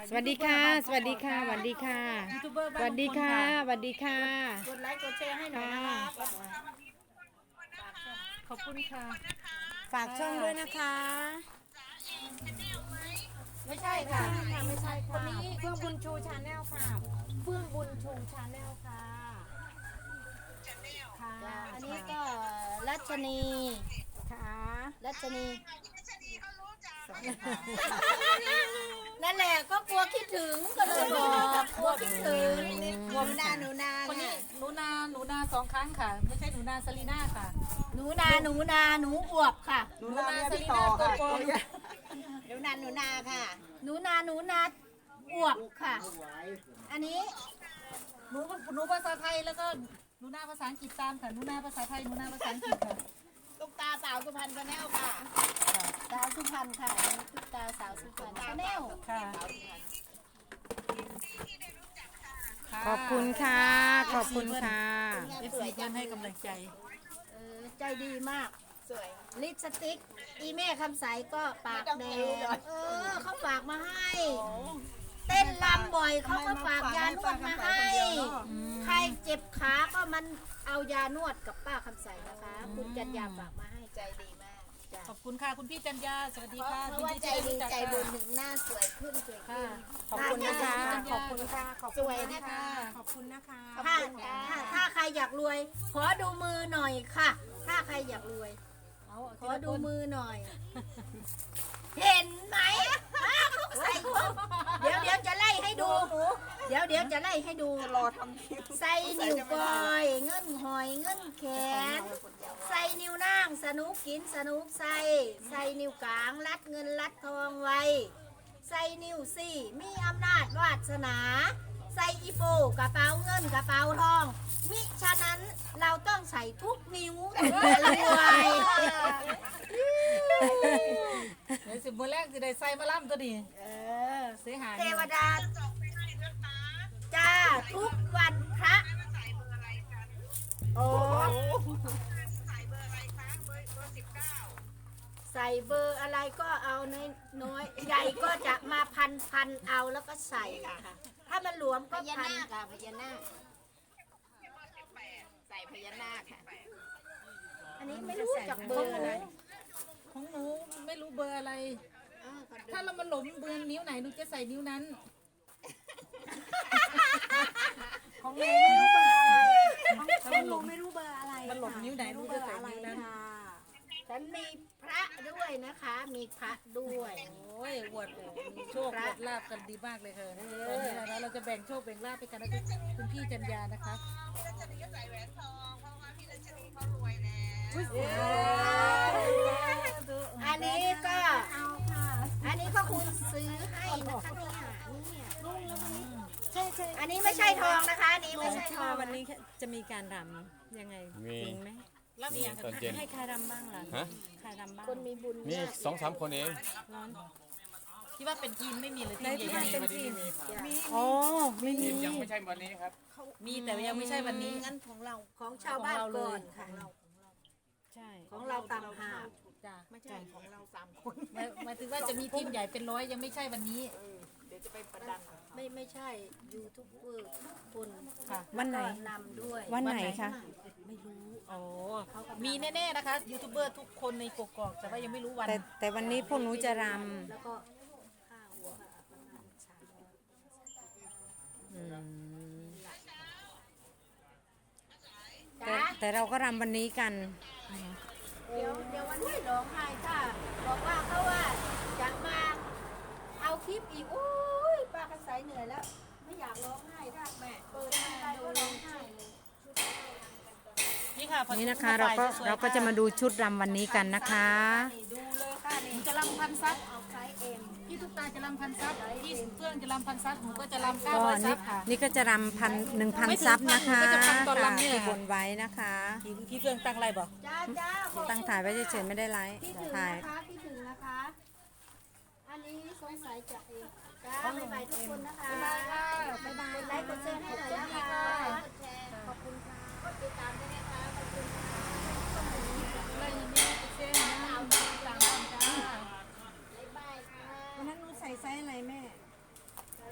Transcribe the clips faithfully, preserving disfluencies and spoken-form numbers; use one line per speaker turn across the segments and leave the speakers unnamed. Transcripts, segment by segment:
สวัสดีค่ะสวัสดีค่ะสวัสดีค่ะสวัสดีค่ะสวัสดีค่ะ
กดไลค์กดแชร์ให้หน่อยนะครับ
ขอบคุณค่ะ
ฝากช่องด้วยนะคะ
ไม่ใช่ค่ะไม่ใช่
ค
ค่ะ
นนี้เฟื่องบุญชูชาแนลค่ะเฟื่องบุญชูชาแนลค่ะค่ะ
อันนี้ก็รัชนี
ค่ะ
รัชนีนั่นแหละก็กลัวคิดถึงก็เลยบอกกลัวคิดถึงหนูนาหนูนา
คนนี้หนูนาหนูนาสองครั้งค่ะ ไม่ใช่หนูนาซาลีน่าค่ะ
หนูนาหนูนาหนูอวบค่ะ
หนูนาซาลีน่าตัวปลอม
หนูนาหนูนาค่ะ หนูนาหนูนาอวบค่ะ อันนี้
หนูหนูภาษาไทยแล้วก็หนูนาภาษาอังกฤษตามค่ะหนูนาภาษาไทยหนูนาภาษาอังกฤษค่ะ
ตุ๊กตาสาวสุพรรณชาแนลค่ะสาวสุพรรณค่ะอันนี้ตุ๊กตาสาวสุพรรณชาแนล
ค่ะ
ขอบคุณค่ะขอบคุณค่ะ
เอฟซีเพื่อนให้กำลังใจ
เออใจดีมากสวยลิปสติกอีแม่คำใสก็ปากแดงเออเขาฝากมาให้ เต้นลำบ่อยเขาก็ฝากยานวดมาให้ ใครเจ็บขาก็มันเอายานวดกับป้าคำใสนะคะ คุณจันยาฝากมาให้ใจดีมากจ้ะ
ขอบคุณค่ะคุณพี่จันยาสวัสดี
เพราะ
ค่ะ
เพราะว่าใจดีใจบุญถึงหน้าสวยขึ้นสวยขึ้น
ขอบคุณนะคะขอบคุณค่ะขอบ
ส
คุณ
วยนะคะ
ขอบคุณนะคะ
ถ้าถ้าถ้าใครอยากรวย ขอดูมือหน่อยค่ะ ถ้าใครอยากรวย
เอา
ขอดูมือหน่อย เห็นไหมอ้าวเขาใส่ถุงเดี๋ยวเดี๋ยวจะไล่ให้ดู เดี๋ยวเดี๋ยวจะไล่ให้ดูรอทำใส่นิ้วก้อย เงินหอยเงินแขน ใส่นิ้วนางสนุกกินสนุกใส่ ใส่นิ้วกลางรัดเงินรัดทองไว้ ใส่นิ้วสี่มีอำนาจวาสนา ใส่อีโปกระเป๋าเงินกระเป๋าทอง มิฉะนั้นเราต้องใส่ทุกนิ้วถึงจะรวย
เดี๋ยวสิบโมงแรกจะได้ใส่มาล่ำตัวนี้
เออ
เสียหาย
เทวดาจ้าทุกวันพระโอ้ใส่เบอร์อะไรก็เอาน้อยน้อยใหญ่ก็จะมาพันพันเอาแล้วก็ใส่ค่ะ ถ้ามันหลวมก็พันค่ะพญานาคใส่พญานาคค่ะ อันนี้ไม่รู้จักเบอร์อะไร
ของหนูไม่รู้เบอร์อะไร
อ้าวขอดู
ถ้าเรามันหลงเบอร์นิ้วไหนหนูจะใส่นิ้วนั้น ของหนูไม่รู้เบอร์อะไรถ้ามันหลง
ไม่รู้เบอร์อะไร
มันหลงนิ้วไหนหนูจะใส่นิ้วนั้น
ฉันมีพระด้วยนะคะ มีพระด้วย
โอ้ยอวดมีโชคอวดลาบกันดีมากเลยค่ะตอนนี้นะเราจะแบ่งโชคแบ่งลาบไปกันนะคุณพี่จันยานะคะ
อันนี้ก็ อันนี้ก็คุณซื้อให้นะคะเนี่ยเนี่ย
ใช่ใช่
อันนี้ไม่ใช่ทองนะคะอันนี้ไม่ใช่
ที่
ทอ
ว่าง วันนี้จะมีการรำยังไง
มี
จริงไหม
รับอย่าง
ตอนเย็น
ให้ใครรำบ้างล่ะ
ฮะ
ใครรำบ้าง
คนมีบุญ
มี
มาก
สองสามคนเอง
ร้อน
ที่ว่าเป็นทีมไม่มีเลย
ใน
ทีม
ที่
ใหญ่
ว่าเป็นทีม
มี
อ๋อไม่มี
ยังไม่ใช่วันนี้ครับ
ๆมีแต่ยังไม่ใช่วันนี้
งั้นของเราของชาวบ้านก่อนของเรา
ใช่
ของเราต่างหาก
จ้ะ
ไม่ใช่ของเราสามคน
หมายหมายถึงว่าจะมีทีมใหญ่เป็นร้อยยังไม่ใช่วันนี้
ไม่ไม่ใช่ยูทูบเบอร์ทุกคน
ค่ะ
วันไหน
ก็นำด้วย
วันไหนคะ
ไม่รู้
โอ้มีแน่ๆนะคะยูทูบเบอร์ทุกคนในกกอกแต่ว่ายังไม่รู้วัน
แต่แต่วันนี้พวกหนูจะร
แล้วก็ค่าหัวค่ะประมาณสามร้อย
ำอืม
จ้า
แต่แต่เราก็รำวันนี้กัน
เดี๋ยวเดี๋ยววันนี้ร้องไห้ค่ะบอกว่าเขาว่าจะมาเอาคลิปอีกโอ้ยป้ากระสายเหนื่อยแล้ว ไม่อยากร้องไห้ถ้าแม่เปิดทางใดก็ร้องไห้เลย
นี่ค่ะพอ
นี่นะคะเราก็เราก็จะมาดูชุดรำวันนี้กันนะคะ
นี่ดูเลยค่ะ
ห
นี่
นูจะรำพันซับ
เอาไซส์เอ็ม
พี่ทุกตาจะรำพันซับพี่เฟื่องจะรำพันซับหนูก็จะรำเก้า
ก็
ร้อยซั
นี่
บค่ะ
นี่ก็จะรำพันหนึ่งพันซับนะคะ
ไม่ถึงพันหนูก็จะพันตอนรำเนี่ย
ที่บนไว้นะคะ
พี่พี่เฟื่องตั้งอะไรบอก
จ้าจ้าขอบคุณ
ตั้งถ่ายไว้เฉยๆไม่ได้ไลฟ์
ที่ถึง
ถ่าย
นะคะที่ถึงนะคะ อันนี้สงสัยจะเองจ้าบ๊ายบายทุกคนนะคะ
บ๊ายบายค่ะ
บ๊ายบายกดไลค์กดแชร์ให้หน่อยนะคะกดแชร์ขอบคุณค่ะกดติดตามด้วยนะคะขอบคุณค่ะ
อะไรอย่างนี้เส้นนะต่างกันจ้า
บ๊ายบายค่ะ
วันนั้นหนูใส่ไซส์อะไรแม่
ไ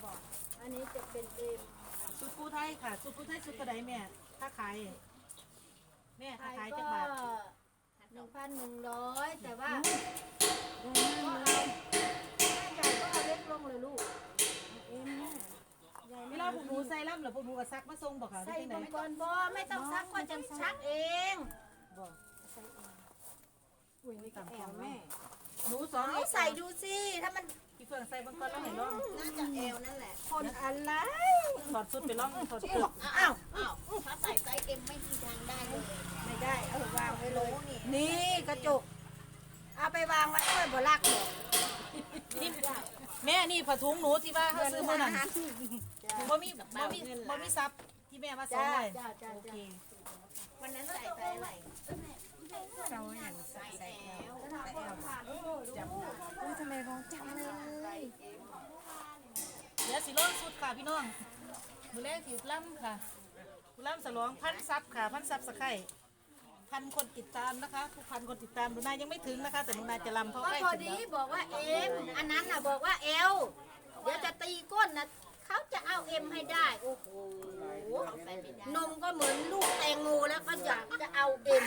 บอกอันนี้จะเป็นเอ็ม
สุดกูไทยค่ะสุดกูไทยสุดกระไดแม่ถ้าขายแม่ถ้า
ขาย
ขาย
ก็
จักบาท
หนึ่งพันหนึ่งร้อยแต่ว่าก็เอาถ้าใหญ่ก็เอาเล็กลงเลยลูกเอ็มแม่ใหญ่
เว
ไม่
ลา
เอา
พวกหนูใส่ล่ำหรือพวกหนูก็ซักมาส่งบอกค่ะ
ใส่
ที่ไหน
มังกรบอไม่ต้องซักก็จะซักเอง
บอก
อุ้ยนี่ก็แอลแม่
หนูสอง
เอาใส่ดูสิถ้ามัน
พี่เฟื่องใส่บางคนแล้วเห็นร่อง
น่าจะแอลนั่นแหละคนอะไร
ถอดสุดไปร่องถอดสุด
อ้าวอ้าวถ้าใส่ไซส์เอ็มไม่มีทางได้เลยไม่ได้เอาวางไว้เลยนี่กระจกเอาไปวางไว้ด้วยบ่ลักหรอก
นี่แม่นี่ผ้าถุงหนูที่ว่าเขาซื้อมานั่นบ่มีบ่มีบ่มีซับที่แม่ว่าส่ง
จ้า
เลย
จ้าจ้า
โอเค
วันนั้นใส่ไปอะไรเราอย่างใส่ใส่แล้วใส่แล้วจำได้ทำไมร้องจำเลย
เดี๋ยวสิร้องสุดค่ะพี่น้องมือแรกสิล่ำค่ะล่ำสลองพันซับค่ะพันซับสะไข่พันคนติดตามนะคะทุกพันคนติดตามหนูนายังไม่ถึงนะคะ แต่หนูนาจะลำเพราะ
ก็
ใกล้
พอ
ถึง
ดี
แล้ว
บอกว่าเอ็มอันนั้นน่ะบอกว่าเอลเดี๋ยวจะตีก้นนะเขาจะเอาเอ็มให้ได้โอ้โหนมก็เหมือนลูกแตงโมแล้วก็อยากจะเอาเอ็ม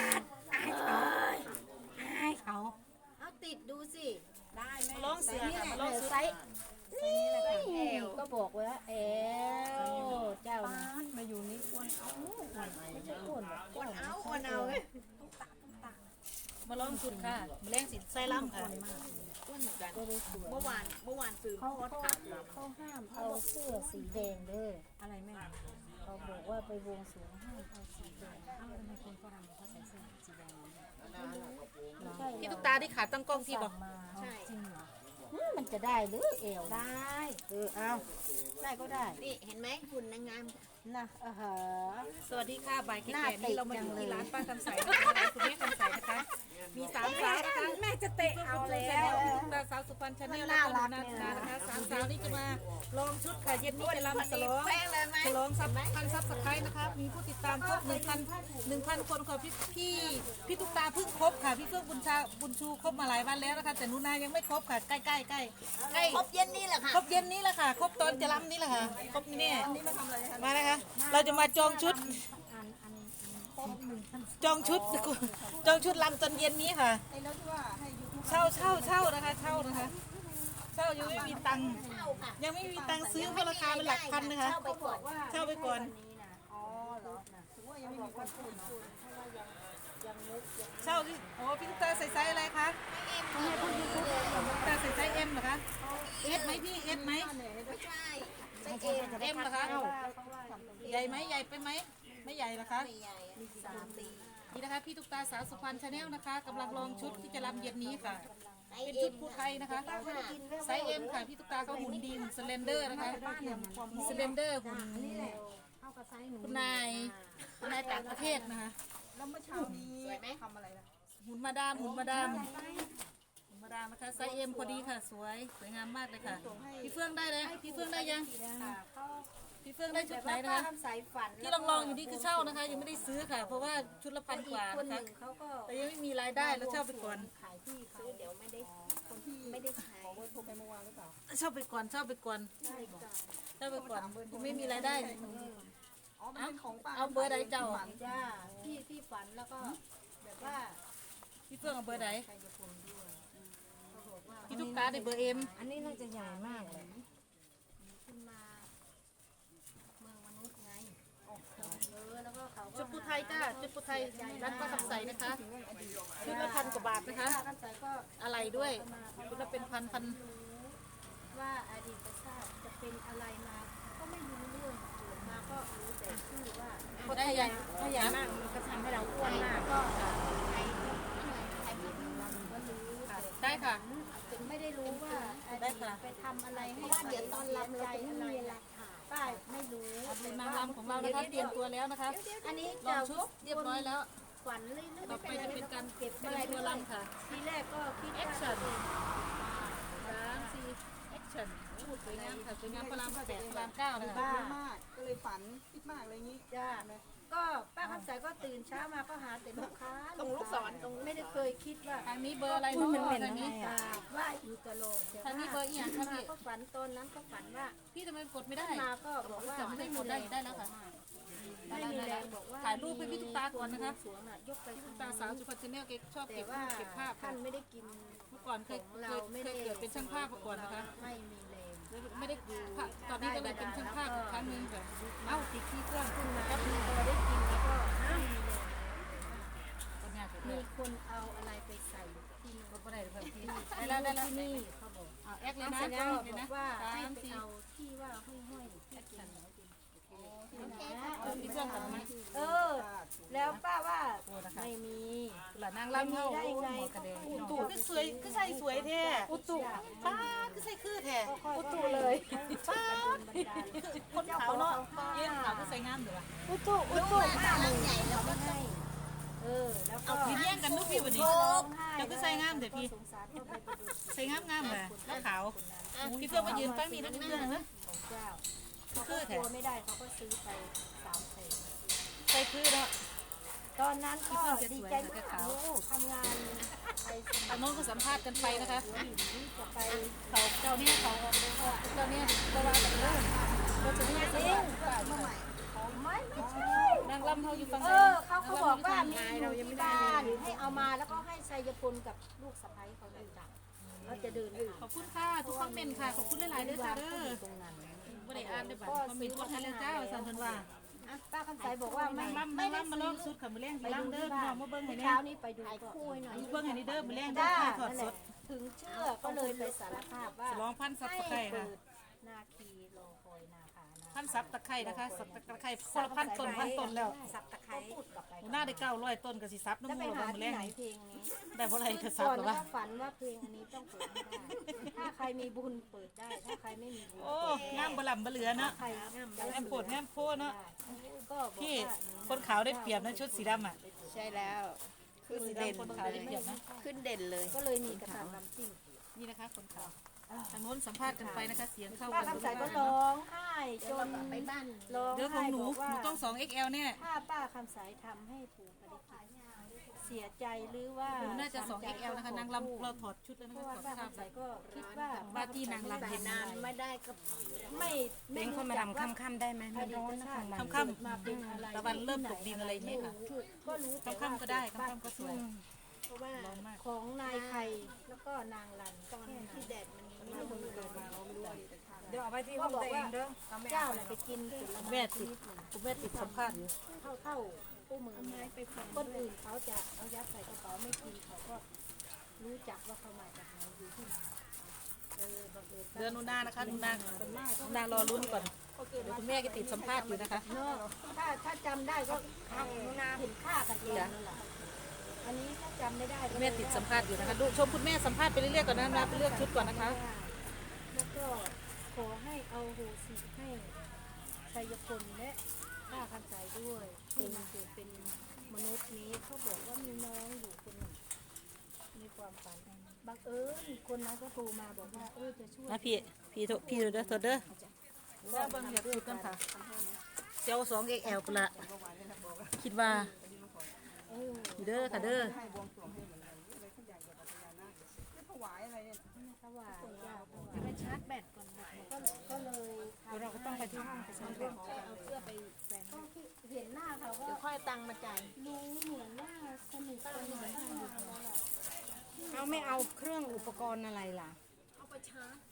ให้เขา
เอาติดดูสิได้ไหม
มาร้องเสือค่ะมาร้องสุด
ไซส์นี่เอลก็บอกว่าเอลเจ้านะมาอยู่นี่อ้วนเอาไม่ใช่อ้วนหรอกอ้วนเอาอ้วนเอาเลย
มาร้องสุดค่ะมือแรกสิใส่ล่ำค่ะ
เมื่อวานเมื่อวานซื้อเขาเขาห้ามเอาเสื้อสีแดงเด้ออะไรแม่เขาบอกว่าไปวงสรวงห้ามเอาสีแดงเอาทำไมคนฝรั่งเขาใส่เสื้อสีแดงไม่ใช่
พี่ตุ๊กตาที่ขาตั้งกล้องที่บอก
ใช่จริงเหรอมันจะได้หรือเอวได้เออเอาได้ก็ได้นี่เห็นไหมหุ่นนางงามนะเออเหรอ
สวัสดีค่ะบ่ายแก่
หน้า
ๆนี่เรามาอยู่
ติดจังเลย
ที่ร้านป้าคำใสนะคะร้านคุณแม่คำใสนะคะมีสามสาวนะคะ
แม่จะเตะเอาแล้ว
ตุ๊กตาสาวสุพรรณชาแนล
มัน
แล้ว
น่า
ก็
รั
ห
ก
นูนา
เนี่ย
นะคะสามสาวนี่จะมาลองชุดค่ะเย็นนี้จะรำฉลอง
แป้งเลยไหม
ฉลองซับพันซับสไครต์นะคะมีผู้ติดตามครบหนึ่งพันหนึ่งพันคนค่ะพี่พี่พี่ตุ๊กตาเพิ่งครบค่ะพี่เฟื่องบุญชาบุญชูครบมาหลายวันแล้วนะคะแต่หนูนายังไม่ครบค่ะใกล้ใกล้ใกล้ใกล้
ครบเย็นนี่แหละค่ะ
ครบเย็นนี้แหละค่ะ ครบตอนจะรำนี่แหละค่ะ ครบนี่แน่มานะคะ เราจะมาจองชุด จองชุด จองชุดรำตอนเย็นนี้ค่ะ เช่าเช่าเช่านะคะ เช่านะคะ เช่ายังไม่มีตังค์ยังไม่มีตังค์ซื้อเพราะราคาเป็นหลักพันนะคะ
เข้าไปก่อน
เช่าไปก่อน เช่าที่โอ้พี่ตุ๊กตาใส่ไซส์อะไรคะพี่ตุ๊กตาใส่ไซส์เอ็มเหรอคะเอสไหมพี่เอสไหม
ไม่ใช่
เอ็มเหรอคะใหญ่ไหมใหญ่ไปไหมไม่ใหญ่เหรอคะ
ไม่ใหญ่อะสามตี
นี่นะคะพี่ตุ๊กตาสาวสุพรรณชาแนลนะคะกำลังลองชุดที่จะรำเย็นนี้ค่ะ
ไอ
เป็น
เอ็
ชุด
ม
ผู้ไทยนะคะไซส์เอ็มค่ะพี่ตุ๊กตาก็หุ่นดีหุ่นสเลนเดอร์นะคะสเลนเดอร์หุ่น
เข้ากับไซส์หนู
คุณนายคุณนายต่างประเทศนะคะ
สวยไหม
หุ่นมาดามหุ่นมาดามหุ่นมาดามนะคะไซส์เอ็มพอดีค่ะสวยสวยงามมากเลยค่ะพี่เฟื่องได้เลยพี่เฟื่องได้ยังพี่เฟื่องได้ชุดไหนนะคะ
ทำสายฝัน
ที่ลองๆอยู่นี่คือเช่านะคะ ยังไม่ได้ซื้อค่ะ เพราะว่าชุดละพันกว่า
คน
นะ
ห
คะ
นึ่งเขาก็
แต่ยังไม่มีรายได้แล้วเช่าไปก่อน
ขายที่เขาเดี๋ยวไม่ได้คนที่ไม่ได้ใช้
เช่าไปก่อนเช่าไปก่อน
ใช่ก่อน
เช่าไปก่อนยังไม่มีรายได้เอาเอาเบอร์ใดเจ้าอ่ะ
จ้าที่ที่ฝันแล้วก็แบบว่า
พี่เฟื่องเอาเบอร์ใดพี่ตุ๊กตาได้เบอร์เอ็ม
อันนี้น่าจะใหญ่มากเลยขึ้นมาเมืองมนุษย์ไงเออแล้วก็เขาก็
ชุดผู้ไทยจ้าชุดผู้ไทยร้านป้าคำใสนะคะชุดละพันกว่าบาทนะคะ
ท่านใส่ก็
อะไรด้วยชุดละเป็นพันพัน
ว่าอดีตชาติจะเป็นอะไรมา ก็ไม่รู้เรื่องเกิดมาก็รู้แต่ชื่อว่า
ก็ได้ยัง
ถ้าใหญ่มากมันก็ทำให้เราอ้วนมากก็ใครใครพูดถึงเราก็รู้
ได้ค่ะ
ถึงไม่ได้รู้ว่าอ
ได้
ดีต
ค่ะ
ไปทำอะไรให้ว่าเดี๋ยวตอนรับเราจะไม่มีหลักฐานป้าไม่รู้
เป็นนางรำของเรานะคะเตรียมตัวแล้วนะคะ
อันนี้
ลอง
จะ
ชุดเรียบร้อยแล้ว
ฝันเรื่อยๆ
ต่อไปจะเป็นการ
เก็บ
เตรี
อะไร
ยมตัวรำค่ะ
ทีแรกก็คิด
แอ
ว่า
คชั่นสามสี่แอคชั่นพูดสวยงามค่ะสวยงามพระรามแปดพระรามเก้านะคะ
บ้า
มากก็เลยฝันคิดมากอะไรอย่างนี้
จ้าก็ก็ป้าคำใสก็ตื่นเช้ามาก็หาแต่ลูกค้าตรงลูกศรตรงไม่ได้เคยคิดว่า
ทางนี้เบอร์อะไรเนาะทางนี้
กราบไหว่าอยู่ตลอดแต่
ทางนี้เบอร์อีหยังคะพี่
ก็ฝันตอนนั้นก็ฝันว่า
พี่ทำไมกดไม่ได้
มาก็บอกว่า
จะไม่ได้กดได้ได้แล้วค่ะ
ไม่มีแรงบอกว่า
ถ่ายรูปให้พี่ตุ๊กตาก่อนนะคะ
สวงอะยกไป
พี่ตุ๊กตาสาวสุพรรณชาแนลเก็บชอบ
แต่
เก็บ
ว่า
เก็บภาพ
ท่านไม่ได้กิน
เมื่อก่อนเคย
ของ
เค
เรา
ย
ไม่
เค
ได้
ยเกิดเป็นช่างภาพมาก่อนนะคะ
ไม่มีแรง
ไม่ได้ตอนนี้ก็เลยเป็นช่างภาพอีกครั้งหนึงค่ะเอ้าติดที่เครื่อง
ขึ้นมาก็มีพอได้กินแล้วก็ไม่มีแรง
คนงานผมเล
มี
ย
คนเอาอะไรไปใส่ที่นี่
ก็ได้เลยพี่
ได้
ได้
แล้
แล้ว วได้แล้ว
ที่นี่เขาบอก
เอาแอคเลยนะ
เสร็จแล้ว
เล
บ
ย
อ
นะ
กว่า
สา
ให้
ม
ไป
สี่
เอาที่ว่าห้อยๆที่กินนะ
เอาที่เครื่องก่อนไหม
เออ แล้วป้าว่าไม่มี
หลานนางรำเท่า
ได้ไง
หมอกระเด็นอุตุก็สวยก็ใส่สวยแท้อุตุป้าก็ใส่คือแท้
อุตุเลย
ป้าคนขาวเนาะเย็นขาวก็ใส่งามอยู่อ่ะ
อุตุอุตุป้าเลยใหญ่เราไม่ให้เออแล้วก็
เอาพี่แย่งกันลูกพี่วันนี้
ร้องไห้
เดี๋ยวก็ใส่งามเดี๋ยวพี่
สงสารเขาไปประดุษ
ใส่งามงามเลยแล้วขาวพี่เพื่อนมายืนแป้งนี่แล้วนิดนึงนะ
ของเจ้าเขาก็กลัวไม่ได้เขาก็ซื้อไปสามแสน
ใส่คือเนาะ
ตอนนั้นก็ดีใจมากโอ้ทำงานไปส
ตอนโน้นก็สัมภาษณ์กันไปนะคะ
มัยจะไป
เขาเจ้าเนี่ยเขาเจ้าเนี่ยก็ว่ากันเลยก็จะเนี่ยจริง
ไม่ไม่ใช่
นางรำเขาอยู่ฝั่ง
เอ
ไหน
อเขาเขาบอกว่ามีเรายังไม่ได้ให้เอามาแล้วก็ให้ชัยพลกับลูกสะใภ้เขาเลยจ้ะเราจะเดินอยู่
ขอบคุณค่ะทุกคอมเมนต์ค่ะขอบคุณหลายๆเด้อจ้าเด้อ
ตรงนั้น
ไม่ได้อ่านได้บัตรคอมเมนต์กดให้แล้วจ้าสันพันว่า
อ่ะป้าคำใสบอกว่าไม่
รำ
ไม่
ไม่
ได้
รำมาลองสุดค่ะมือแรง
ไป
รำ
ดู
เด้อ
ที่
พี่
บ้า
น้อน งมาเบิ้งให้เนี่ย
เช้านี้ไปดูก็คู่หน่อย
เบิ้งให้นี่เด้อมือแรงเด้อ
จ้า
ถ่ายทอด
นั่น
ส
แหละ
ด
ถึงเชื่อก็เลยไปสารภาพว่า
สลองพันซับตะไคร้ค่ะ
นาคีรอคอยนาคานา
พันซับตะไคร้นะคะซับตะไคร้คนละพันต้นพันต้นแล้ว
สับตะไคร้พูดกลับไป
หน้าได้เก้าร้อยต้นก็สิซับน้ำ
จะไป
มูก
หา
มือ
ที่
แรง
ไหน
นี่
เพลงนี้
ได้เพราะอะไรก็ซับ
ก่อน
หรอ
ว่าว
ะ
ฝันว่าเพลงอันนี้ต้องเปิดให้ได้ถ้าใครมีบุญเปิดได้ ถ้าใครไม่มีบุญ
โอ้งามบลำบเหลือเนาะ
ใครง่ามได้
แอมโปดแอมโพเนาะ
ก็บอก
พี่
ว่า
คนขาวได้เปรียบนะชุดสีดำอ่ะ
ใช่แล้วขึ้น
สี
เด่น
ดำคนขาวได้เปรียบนะ
ขึ้นเด่นเลย
ก็เลยมีกระถางลำจิ้ง
นี่นะคะคนขาวทางโน้นสัมภาษณ์กันไปนะคะเสียงเข้า
ป้า
กัน
คำใสก็ร้องไห้จนไปบ้านร้อง
เรื่องขอ
ไห้
งหนู
บอกว่า
หนูต้อง สอง เอ็กซ์ แอล เนี่ย
ถ้าป้าคำใสทำให้ปู่ปริจิตเสียใจหรือว่า
หนูน่าจะ สอง เอ็กซ์ แอล นะคะนางรำเราถอดชุดแล้ว
เพ
นะ
ราะ
คะ
ว่า
ถอด
ป้า
ภาพ
คำใสก็คิดว่า
ว่าที่นางรำเห็น
นานไม่ได้ก็ไม่
เล้งเข้ามารำค่ำๆได้ไหมไม่ร้อนนะกลางวัน
ค่ำ
มาเป็นอะไร
ๆตะวันเริ่มตกดินอะไรอย่างเงี้ยค่ะ
ก็รู้แต่ว่า
ค่ำๆก็ได้ค่ำๆก็สวย
เพราะว่า
ร้อนมาก
ของนายไข่แล้วก็นางรันตอนที่แดดมันมีคนเดินมาเดี๋ยวเอาไปที่ห้องตัวเองเด้อเจ้าน่ะไปกินผลไม้
แม่ติดคุณแม่ติดสัมภาษณ์อยู่
เท่าเท่าผู้มือไปคนอื่นเขาจะเอายัดใส่กระเป๋าไม่กินเขาก็รู้จักว่าเขามาจากไหนอยู่ที่ไหนเออบังเอิญ
เดือนหนูนานะคะหนูนาหนูนารอลุ้นก่อนเดี๋ยวคุณแม่ก็ติดสัมภาษณ์อยู่นะคะ
เนาะถ้าถ้าจำได้ก็เห็นค่ากันเองนั่นแหละอันนี้ถ้าจำไม่ได้
คุณแม่ติดสัมภาษณ์อยู่นะคะดูชมคุณแม่สัมภาษณ์ไปเรื่อยๆก่อนนะนะไปเลือกชุดก่อนนะคะ
แล้วก็ขอให้เอาโหสิให้ชัยพลและป้าคำใจด้วยที่มาเกิดเป็นมนุษย์นี้เขาบอกว่ามีน้องอยู่คนหนึ่งในความฝันบังเอิญคนนั้นก็โทรมาบอกว่าเออจะช่วย
นะพี่พี่โทพี่เด้อโทษเด้อแล้วเบิ่งเดี๋ยวชุดกันค่ะเจ้าสอง เอ็กซ์ แอล ปละคิดว่า
เออ
อยู่เด้อค่ะเด้อ
ถวายยาจะไปชาร์จแบตก่อนก็ก็เลยเราก็ต้องไปที่ห้องไปชาร์จแบตเอาเสื้อไปแฝงเห็นหน้าเขาก็ค่อยตังมาจ่ายรู้เหมือนว่าสนิทกันเหมือนกันอยู่แล้วแหละ
เอาไม่เอาเครื่องอุปกรณ์อะไรล่ะ
เอาไปชาร์จ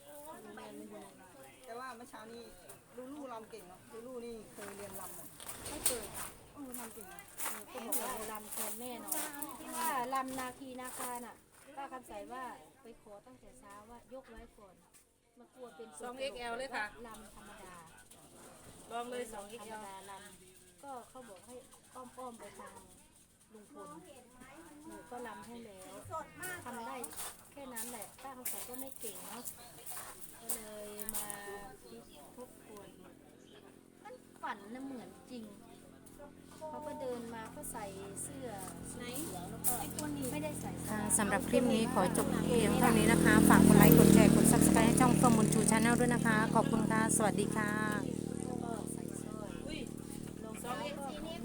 แต่ว่าเมื่อเช้านี้ลูลูรำเก่งเนาะลูลูนี่เคยเรียนรำเหมือน
ไม่เคยค่ะ
เออรำเก่งนะ
ก็บอกว่าลำแทนแม่หน่อยที่ว่าลำนาคีนาคาน่ะป้าคำใสว่าไปขอตั้งแต่เช้าว่ายกไว้ก่อนมากลัวเป็น
สอง เอ็กซ์ แอล เลยค่ะ
ลำธรรมดา
ลองเลยสอง
ธ
เอ็
ร
ก
ร
ซ์
ม
แอล
ดาลำก็เขาบอกให้อ้อมๆไปทางลุงพลหนูก็ลำให้แล้วทำได้แค่นั้นแหละป้าคำใสก็ไม่เก่งเนาะก็เลยมาคิดทบทวนมันฝันนะเหมือนจริง เขาก็เดินมาก็ใส่เสื้อสีเขียวแล้วก็ไม่ได้ใส่เสื้อ
สำหรับคลิปนี้ขอจบเพียงเท่านี้นะคะ ฝากกดไลค์ กดแชร์ กด ซับสไครบ์ ให้ช่องเฟิร์มบุญชูชาแนลด้วยนะคะ ขอบคุณค่ะ สวัสดีค่ะ
ก็ใส่สร้อยรองเท้าก็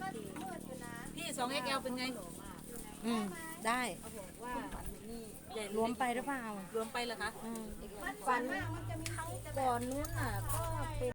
สองเอ็กแอลเป็นไง
อืมได้
ใหญ่
รวมไปหรือเปล่า
รวมไปเหรอคะ
อืม
ฝันก่อนนู้นน่ะก็เป็น